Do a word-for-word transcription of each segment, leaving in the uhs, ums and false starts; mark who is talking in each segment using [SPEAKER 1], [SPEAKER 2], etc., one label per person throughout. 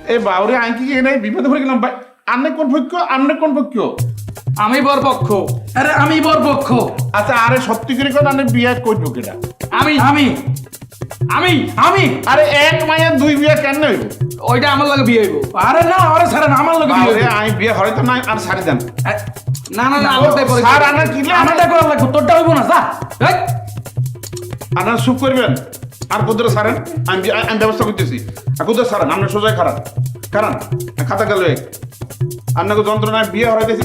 [SPEAKER 1] এ বাউরে আমি কি এনে বিপদে পড়ে গেলাম ভাই। আপনি কোন পক্ষ? আপনি কোন পক্ষ?
[SPEAKER 2] আমি বরপক্ষ। আরে আমি বরপক্ষ।
[SPEAKER 1] আচ্ছা, আরে সত্যি করে কথা আপনি বিয়ে করবো কেটা?
[SPEAKER 2] আমি আমি আমি আমি
[SPEAKER 1] আরে এক মায়ের দুই বিয়ে কেন হইব?
[SPEAKER 2] ওইটা আমার লগে বিয়ে হইব। আরে না, আরে স্যার না, আমার লগে বিয়ে
[SPEAKER 1] বাউরে
[SPEAKER 2] হইব।
[SPEAKER 1] আমি বিয়ে হয়তো না আর ছাড়ি দেন।
[SPEAKER 2] না না না, আমারটাই পরে।
[SPEAKER 1] স্যার আনা কি
[SPEAKER 2] আমারটা করা লাগবে, তোরটা হইব না। যা এই,
[SPEAKER 1] আপনারা চুপ করবেন আর কুদরে সারেন। আমি বি- আমি ব্যবস্থা করতেছি। আর কুদরে সারেন, আপনার সোজাই খারাপ কারণ খাতা গেল আপনাকে যন্ত্রণায় বিয়ে হরাইতেছি।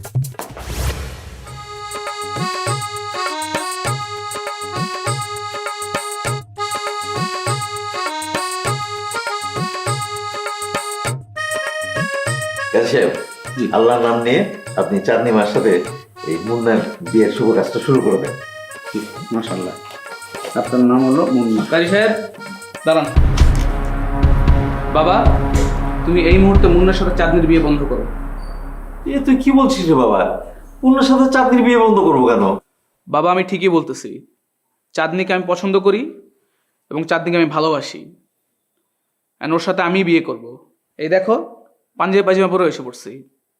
[SPEAKER 3] সাহেব, আল্লাহর নাম নিয়ে আপনি চাঁদনি মার সাথে এই মুন্নার বিয়ের শুভ কাজটা শুরু করে দেন।
[SPEAKER 1] মাশাআল্লাহ, আপনার নাম হলো মুন্না।
[SPEAKER 2] কারি সাহেব দাঁড়ান। বাবা, তুমি এই মুহূর্তে মুন্নার সাথে চাঁদনির বিয়ে বন্ধ করো।
[SPEAKER 3] এ তুই কি বলছিস রে বাবা? মুন্নার সাথে চাঁদনির বিয়ে বন্ধ করবো কেন?
[SPEAKER 2] বাবা, আমি ঠিকই বলতেছি। চাঁদনিকে আমি পছন্দ করি এবং চাঁদনিকে আমি ভালোবাসি। আর ওর সাথে আমি বিয়ে করব। এই দেখো, পাঞ্জাবি পায়জামা পরে এসে পড়ছি।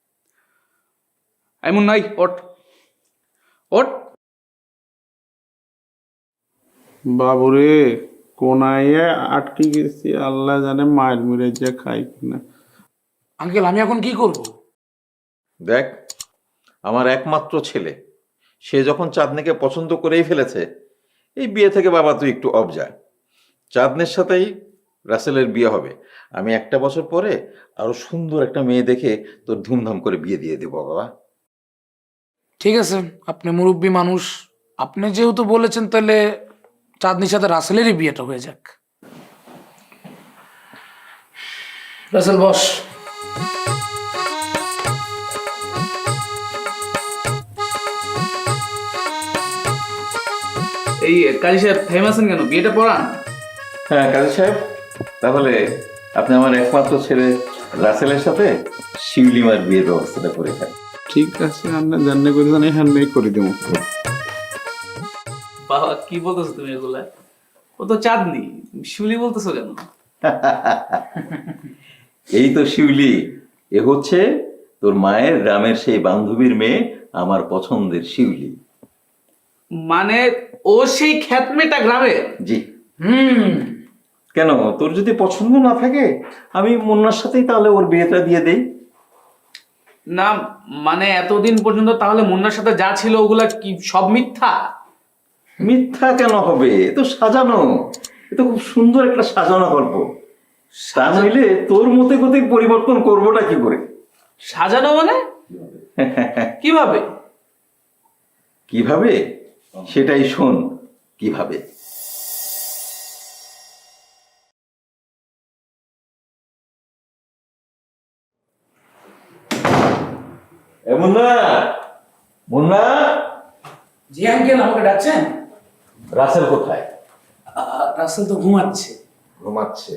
[SPEAKER 2] এমন নাই, ওঠ ওঠ।
[SPEAKER 1] বাবুরে কোনায় আটকে গেছি, আল্লাহ জানে মায়ের মিরে যে খাই কিনা।
[SPEAKER 2] আঙ্কেল, আমি এখন কি করব?
[SPEAKER 3] দেখ, আমার একমাত্র ছেলে, সে যখন চাঁদনিকে পছন্দ করেই ফেলেছে, এই বিয়ে থেকে বাবা তুই একটু অফ যা। চাঁদনির সাথেই রাসেলের বিয়ে হবে। আমি একটা বছর পরে আরো সুন্দর একটা মেয়ে দেখে তোর ধুমধাম করে বিয়ে দিয়ে দেবো বাবা।
[SPEAKER 4] ঠিক আছে, আপনি মুরব্বী মানুষ, আপনি যেহেতু বলেছেন তাহলে চাঁদনির সাথে রাসেলেরই বিয়েটা হয়ে যাক। রাসেল বস।
[SPEAKER 2] এই কাজী সাহেব থেমে আছেন কেন? বিয়েটা পড়ান।
[SPEAKER 3] হ্যাঁ কাজী সাহেব, তাহলে আপনি আমার একমাত্র ছেলে রাসেলের সাথে শিউলিমার বিয়ের ব্যবস্থাটা করে থাকেন।
[SPEAKER 1] ঠিক আছে, আমরা জানলে করে জানি হ্যান্ড মেক করে দেবো।
[SPEAKER 2] বাবা, কি বলতেছো তুমি এগুলা? ও তো চাঁদনি, শিউলি বলতেছো কেন?
[SPEAKER 3] এই তো শিউলি, এ হচ্ছে তোর মায়ের গ্রামের সেই বান্ধবীর মেয়ে, আমার পছন্দের শিউলি।
[SPEAKER 2] মানে ও সেই খ্যাতমেটা গ্রামে?
[SPEAKER 3] জি।
[SPEAKER 4] হুম,
[SPEAKER 3] কেন, তোর যদি পছন্দ না থাকে আমি মুন্নার সাথেই তাহলে ওর বিয়েটা দিয়ে দেই।
[SPEAKER 2] না মানে এতদিন পর্যন্ত তাহলে মুন্নার সাথে যা ছিল ওগুলা কি সব মিথ্যা?
[SPEAKER 3] মিথ্যা কেন হবে? এ তো সাজানো, এ তো খুব সুন্দর একটা সাজানো গল্প। তা নইলে তোর মতে গতি পরিবর্তন করবোটা কি করে?
[SPEAKER 2] সাজানো মানে কিভাবে?
[SPEAKER 3] কিভাবে সেটাই শোন। কিভাবে? এ মুন্না, মুন্না,
[SPEAKER 4] জি আঙ্কেল, আমাকে ডাকছেন?
[SPEAKER 3] রাসেল কোথায়?
[SPEAKER 4] আহ, রাসেল তো ঘুমাচ্ছে।
[SPEAKER 3] ঘুমাচ্ছে।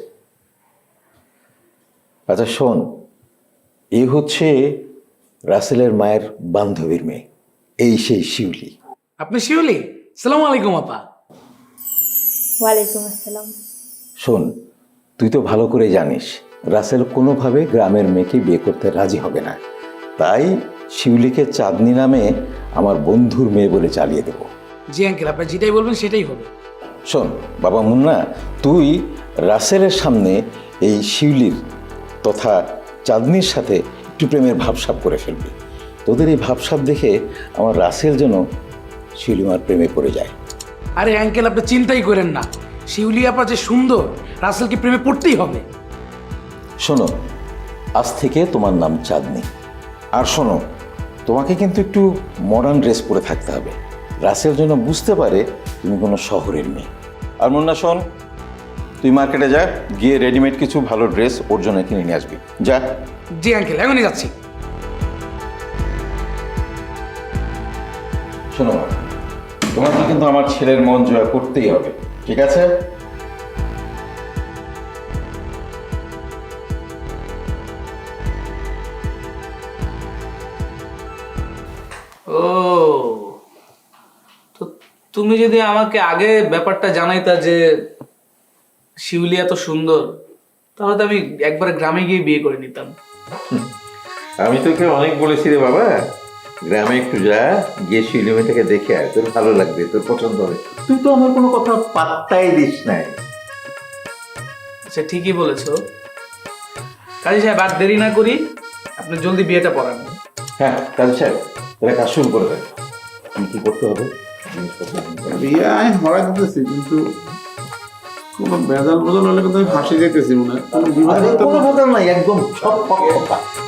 [SPEAKER 3] আচ্ছা শোন, এই হচ্ছে রাসেলের মায়ের বান্ধবীর মেয়ে, এই সেই শিউলি।
[SPEAKER 4] আপনি শিউলি? সালাম আলাইকুম আপা।
[SPEAKER 5] ওয়ালাইকুম আসসালাম।
[SPEAKER 3] শোন, তুই তো ভালো করে জানিস রাসেল কোনোভাবে গ্রামের মেয়েকে বিয়ে করতে রাজি হবে না। তাই শিউলিকে চাঁদনি নামে আমার বন্ধুর মেয়ে বলে চালিয়ে দেব।
[SPEAKER 4] জি আঙ্কেল, আপনি যেটাই বলবেন সেটাই হবে।
[SPEAKER 3] শোন বাবা মুন্না, তুই রাসেলের সামনে এই শিউলির তথা চাঁদনির সাথে একটু প্রেমের ভাবসাব করে ফেলবি। তোদের এই ভাবসাব দেখে আমার রাসেল যেন শিউলিমার প্রেমে পড়ে যায়।
[SPEAKER 4] আরে আঙ্কেল, আপনি চিন্তাই করেন না, শিউলি আপা যে সুন্দর, রাসেলকে প্রেমে পড়তেই হবে।
[SPEAKER 3] শোনো, আজ থেকে তোমার নাম চাঁদনি। আর শোনো, তোমাকে কিন্তু একটু মডার্ন ড্রেস পরে থাকতে হবে, রাসেল যেন বুঝতে পারে তুমি কোনো শহরের মেয়ে। আর মুন্না শোন, তুই মার্কেটে যা, গিয়ে রেডিমেড কিছু ভালো ড্রেস ওর জন্য কিনে নিয়ে আসবি, যা।
[SPEAKER 4] জি আঙ্কেল, এখনই যাচ্ছি।
[SPEAKER 3] শোনো, তোমাকে কিন্তু আমার ছেলের মন জয় করতেই হবে, ঠিক আছে?
[SPEAKER 2] ও, তো তুমি যদি আমাকে আগে ব্যাপারটা জানাইতা যে শিউলি এত সুন্দর, তাহলে তো আমি একবার গ্রামে গিয়ে বিয়ে করে নিতাম।
[SPEAKER 3] আমি তোকে অনেক বলেছি রে বাবা, গ্রামে একটু যা, গিয়ে শিউলি মেয়েটাকে দেখে আয়, তোর ভালো লাগবে, তোর পছন্দ হবে। তুই তো আমার কোনো কথা পাত্তাই দিস নাই।
[SPEAKER 2] আচ্ছা ঠিকই বলেছো কাজী সাহেব, আর দেরি না করি, আপনি জলদি বিয়েটা পড়ান।
[SPEAKER 3] হ্যাঁ কাজী সাহেব, তাহলে কাজ শুরু করে দেন। কি কি করতে হবে জিনিসপত্র?
[SPEAKER 1] বিয়ে আমি হরাই দিতেছি, কিন্তু কোনো বেজাল বদল হলে কিন্তু আমি ফাঁসি যেতেছি মনে হয়। কোনো বিবাদ
[SPEAKER 3] আরে
[SPEAKER 1] হতো
[SPEAKER 3] কোনো
[SPEAKER 1] না।
[SPEAKER 3] কথা নাই, একদম সব পক্ষ